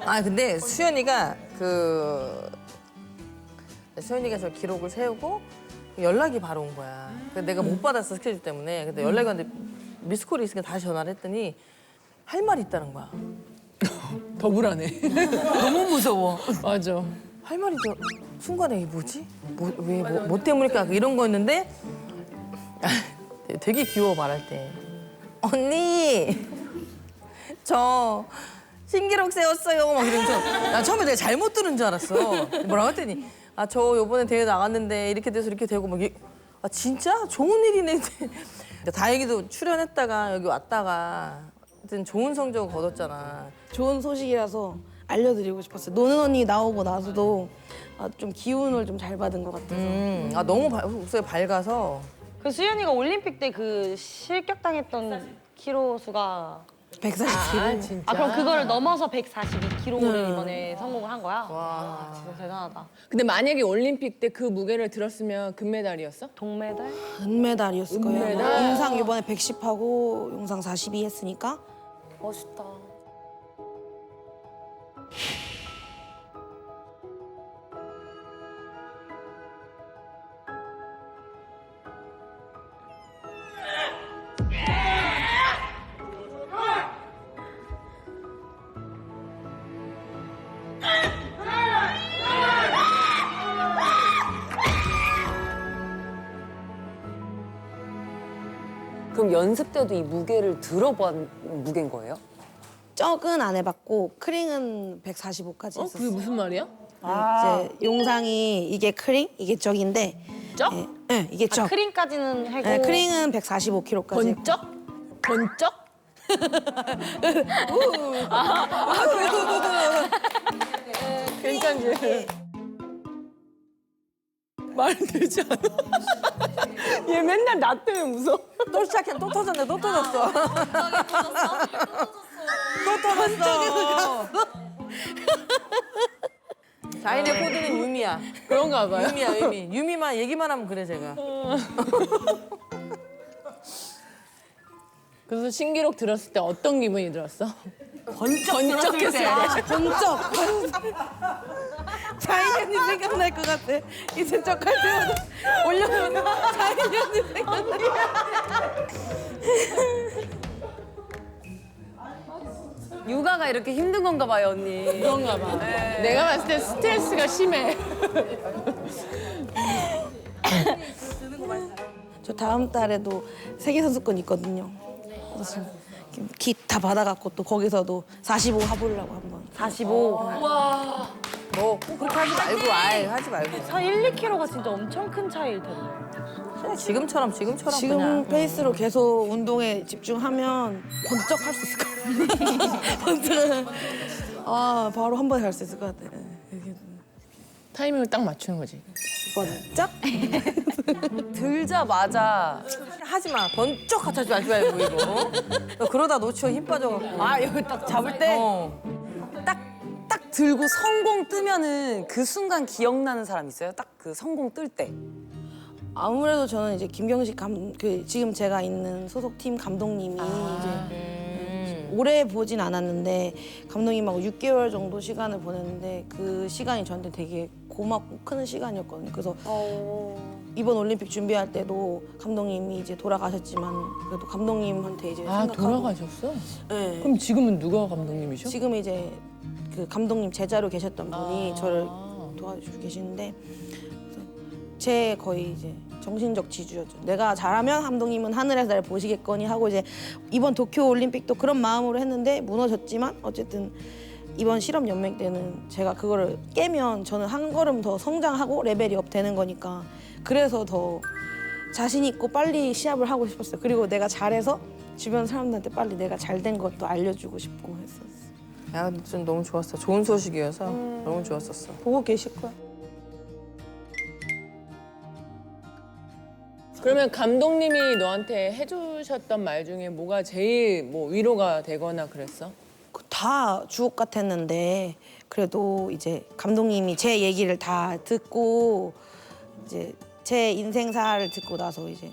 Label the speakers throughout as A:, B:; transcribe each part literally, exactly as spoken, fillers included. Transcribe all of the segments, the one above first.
A: 아 근데 수연이가 그 수연이가 저 기록을 세우고 연락이 바로 온 거야. 근데 내가 못 받았어 스케줄 때문에. 근데 연락이 왔는데 미스콜이 있으니까 다시 전화를 했더니 할 말이 있다는 거야.
B: 더 불안해.
A: 너무 무서워.
B: 맞아.
A: 할 말이 저 순간에 이게 뭐지? 뭐, 왜, 뭐, 뭐 때문일까? 이런 거였는데 되게 귀여워 말할 때. 언니 저 신기록 세웠어요. 막 이러면서 나 처음에 내가 잘못 들은 줄 알았어. 뭐라고 했더니 아 저 요번에 대회 나갔는데 이렇게 돼서 이렇게 되고 막 아 진짜 좋은 일이네. 다행히도 출연했다가 여기 왔다가 하여튼 좋은 성적을 거뒀잖아.
C: 좋은 소식이라서 알려드리고 싶었어요. 노는 언니 나오고 나서도 아, 좀 기운을 좀 잘 받은 것 같아서.
A: 음, 아 너무 바, 목소리 밝아서.
D: 그 수연이가 올림픽 때 그 실격당했던 키로 수가
C: 백사십 킬로그램.
B: 아, 진짜.
D: 아 그럼 그거를 넘어서 백사십이 킬로그램
C: 네.
D: 이번에 성공을 한 거야?
A: 와.
D: 진짜 대단하다.
B: 근데 만약에 올림픽 때 그 무게를 들었으면 금메달이었어?
D: 동메달?
C: 은메달이었을 거예요.
B: 은메달?
C: 용상 이번에 백십 하고 용상 사십이 했으니까.
D: 멋있다.
E: 그럼 연습 때도 이 무게를 들어본 무게인 거예요?
C: 적은 안 해봤고 크링은 백사십오까지
B: 어?
C: 했었어요.
B: 그게 무슨 말이야?
C: 이제 용상이 이게 크링, 이게 적인데.
B: 쩍?
C: 네, 네, 이게 적.
D: 아, 크림까지는 하고
C: 네, 크링은 백사십오 킬로그램까지.
B: 번쩍? 번쩍? 괜찮지? 말이 되지 않아? 얘 맨날 나 때문에 무서워.
A: 또 시작해. 또 터졌네. 또 터졌어. 또 터졌어. 자인의 코드는 유미야.
B: 그런가 봐요.
A: 유미야, 유미. 유미만 얘기만 하면 그래, 제가.
B: 그래서 신기록 들었을 때 어떤 기분이 들었어?
A: 번쩍
B: 번쩍했어요.
C: 번쩍. 자인이 언니 생각날 것 같아. 이제 쩍할 때마다 올려놓으면 자인이 언니 생각나.
E: 육아가 이렇게 힘든 건가 봐요, 언니.
B: 그런가 봐. 내가 봤을 때 스트레스가 심해.
C: 저 다음 달에도 세계 선수권 있거든요. 그래서 지금 기 다 받아갖고 또 거기서도 사십오 해보려고 한번.
D: 사십오.
A: 뭐, 꼭 그렇게 하지 말고, 아이, 하지 말고.
D: 한 일, 이 킬로그램가 진짜 엄청 큰 차이일 텐데.
A: 그냥 지금처럼, 지금처럼
C: 지금
A: 그냥.
C: 페이스로 계속 운동에 집중하면 번쩍 할 수 있을 것 같아요. 번쩍. 아 바로 한 번에 할 수 있을 것 같아. 이렇게
B: 타이밍을 딱 맞추는 거지.
C: 번쩍.
E: 들자마자
A: 하지 마. 번쩍 하지 말지 말고, 이거. 너 그러다 놓쳐 힘 빠져갖고.
E: 아, 여기 딱 잡을 때
A: 어.
E: 딱, 딱 들고 성공 뜨면은 그 순간 기억나는 사람 있어요? 딱 그 성공 뜰 때.
C: 아무래도 저는 이제 김경식 감, 그 지금 제가 있는 소속팀 감독님이 이제
A: 음.
C: 오래 보진 않았는데 감독님하고 육 개월 정도 시간을 보냈는데 그 시간이 저한테 되게 고맙고 큰 시간이었거든요. 그래서 이번 올림픽 준비할 때도 감독님이 이제 돌아가셨지만 그래도 감독님한테 이제
B: 아,
C: 생각하고
B: 돌아가셨어?
C: 네.
B: 그럼 지금은 누가 감독님이셔?
C: 지금 이제 그 감독님 제자로 계셨던 분이
B: 아.
C: 저를 도와주고 계시는데 그래서 제 거의 이제 정신적 지주였죠. 내가 잘하면 감독님은 하늘에서 날 보시겠거니 하고 이제 이번 도쿄 올림픽도 그런 마음으로 했는데 무너졌지만 어쨌든 이번 실업 연맹 때는 제가 그거를 깨면 저는 한 걸음 더 성장하고 레벨이 업 되는 거니까 그래서 더 자신 있고 빨리 시합을 하고 싶었어요. 그리고 내가 잘해서 주변 사람들한테 빨리 내가 잘 된 것도 알려주고 싶고 했었어.
A: 야, 근데 좀 너무 좋았어. 좋은 소식이어서 너무 좋았었어.
C: 보고 계실 거야.
B: 그러면 감독님이 너한테 해주셨던 말 중에 뭐가 제일 뭐 위로가 되거나 그랬어?
C: 다 주옥 같았는데 그래도 이제 감독님이 제 얘기를 다 듣고 이제 제 인생사를 듣고 나서 이제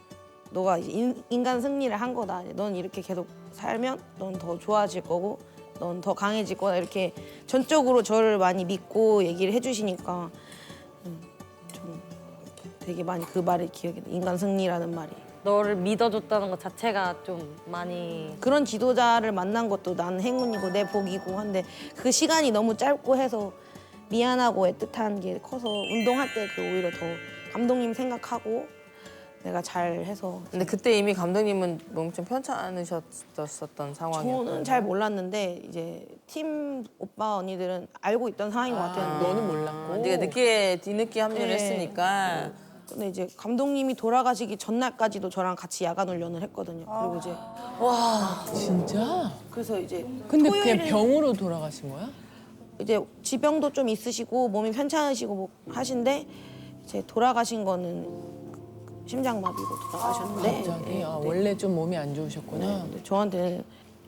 C: 너가 이제 인, 인간 승리를 한 거다. 넌 이렇게 계속 살면 넌 더 좋아질 거고 넌 더 강해질 거다 이렇게 전적으로 저를 많이 믿고 얘기를 해주시니까 음, 좀 되게 많이 그 말이 기억이 나. 인간 승리라는 말이.
D: 너를 믿어줬다는 것 자체가 좀 많이
C: 그런 지도자를 만난 것도 난 행운이고 내 복이고 한데 그 시간이 너무 짧고 해서 미안하고 애틋한 게 커서 운동할 때 그 오히려 더 감독님 생각하고 내가 잘해서
A: 근데 그때 이미 감독님은 몸이 좀 편찮으셨었던 상황이었고.
C: 저는 잘 몰랐는데 이제 팀 오빠 언니들은 알고 있던 상황인 것 같아요.
B: 너는 몰랐고.
A: 네가 늦게 뒤늦게 합류를
C: 네.
A: 했으니까.
C: 근데 이제 감독님이 돌아가시기 전날까지도 저랑 같이 야간 훈련을 했거든요. 그리고 이제
B: 진짜?
C: 그래서 이제
B: 근데
C: 토요일에
B: 그냥 병으로 돌아가신 거야?
C: 이제 지병도 좀 있으시고 몸이 편찮으시고 뭐 하신데 이제 돌아가신 거는 심장마비로 돌아가셨는데
B: 갑자기?
C: 예,
B: 아,
C: 네.
B: 원래 좀 몸이 안 좋으셨구나.
C: 근데 저한테는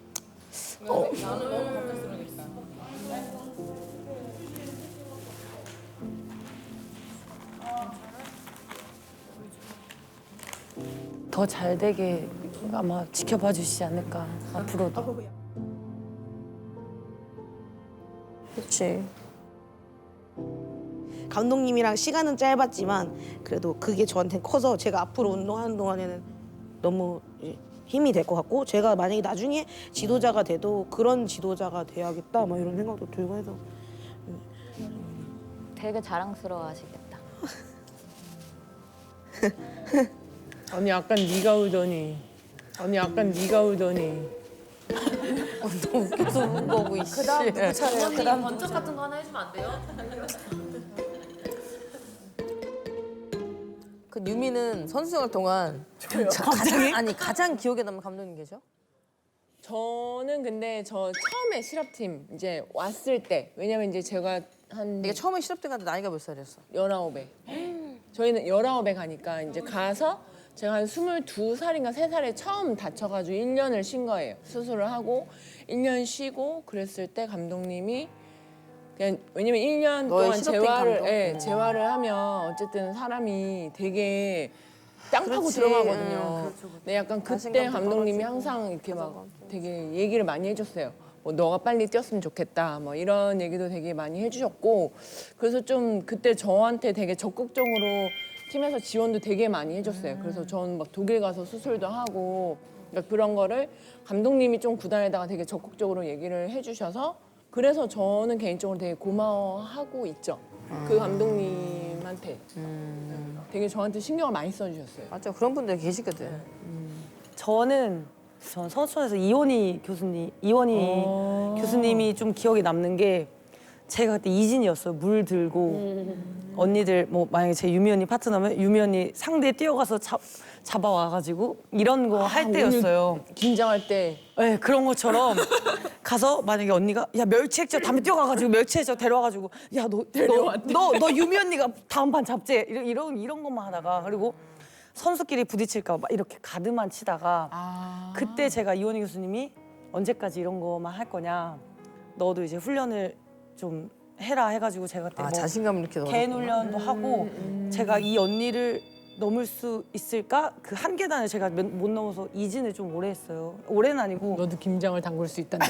E: 더 잘 되게 아마 지켜봐 주시지 않을까 앞으로도.
A: 그렇지.
C: 감독님이랑 시간은 짧았지만 그래도 그게 저한테 커서 제가 앞으로 운동하는 동안에는 너무 이제 힘이 될 것 같고 제가 만약에 나중에 지도자가 돼도 그런 지도자가 돼야겠다 막 이런 생각도 들고 해서
F: 되게 자랑스러워하시겠다.
B: 언니 약간 네가 울더니. 언니 약간 네가 울더니.
A: 너무 웃겨서 운 거고 이씨. 그다음 누구 차례야?
F: 그다음 번쩍 같은 거 하나 해주면 안 돼요?
A: 그 유미는 선수 생활 동안 가장 아니 가장 기억에 남는 감독님 계셔?
B: 저는 근데 저 처음에 실업팀 이제 왔을 때 왜냐면 이제 제가 한
A: 네가 처음에 실업대 갔는데 나이가 몇 살이었어?
B: 열아홉에 저희는 열아홉에 가니까 이제 가서 제가 한 스물두 살인가 세 살에 처음 다쳐가지고 일 년을 쉰 거예요. 수술을 하고 일 년 쉬고 그랬을 때 감독님이 그냥 왜냐면 일 년
A: 너의
B: 동안
A: 실업된
B: 재활을
A: 감독?
B: 예,
A: 음.
B: 재활을 하면 어쨌든 사람이 되게 땅 파고
A: 그렇지.
B: 들어가거든요.
A: 음, 그렇죠,
B: 근데 약간 그때
A: 자신감도
B: 감독님이
A: 떨어지고,
B: 항상 이렇게 막 되게 얘기를 많이 해줬어요. 뭐 너가 빨리 뛰었으면 좋겠다. 뭐 이런 얘기도 되게 많이 해주셨고 그래서 좀 그때 저한테 되게 적극적으로 팀에서 지원도 되게 많이 해줬어요. 그래서 저는 막 독일 가서 수술도 하고 그러니까 그런 거를 감독님이 좀 구단에다가 되게 적극적으로 얘기를 해주셔서 그래서 저는 개인적으로 되게 고마워하고 있죠. 그 감독님한테 되게 저한테 신경을 많이 써주셨어요.
A: 맞아 그런 분들 계시거든.
E: 저는 전 선수촌에서 이원희 교수님, 이원희 교수님이 좀 기억에 남는 게 제가 그때 이진이었어요. 물 들고 언니들 뭐 만약에 제 유미 언니 파트너면 유미 언니 상대에 뛰어가서 잡, 잡아와가지고 이런 거 할 때였어요.
B: 긴장할 때
E: 네, 그런 것처럼 가서 만약에 언니가 야 멸치액젓 담배 뛰어가가지고 멸치액젓 데려와가지고 야 너 너 너 너 유미 언니가 다음 판 잡재 이런 이런 이런 것만 하다가 그리고 선수끼리 부딪힐까 막 이렇게 가드만 치다가
B: 아.
E: 그때 제가 이원희 교수님이 언제까지 이런 거만 할 거냐 너도 이제 훈련을 좀 해라 해가지고 제가 그때
A: 아
E: 뭐
A: 자신감 이렇게 넣어.
E: 개인 훈련도 하고 제가 이 언니를 넘을 수 있을까 그 한 계단을 제가 몇- 못 넘어서 이진을 좀 오래 했어요. 오래는 아니고
B: 너도 김장을 담글 수 있단다.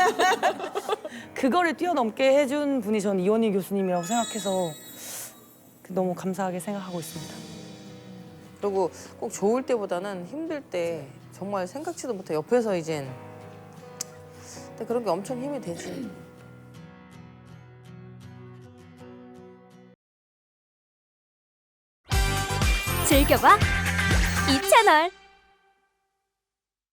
E: 그거를 뛰어넘게 해준 분이 전 이원희 교수님이라고 생각해서 너무 감사하게 생각하고 있습니다.
A: 그리고 꼭 좋을 때보다는 힘들 때 정말 생각지도 못해 옆에서 이젠 근데 그런 게 엄청 힘이 되지.
G: 즐겨봐 이 채널.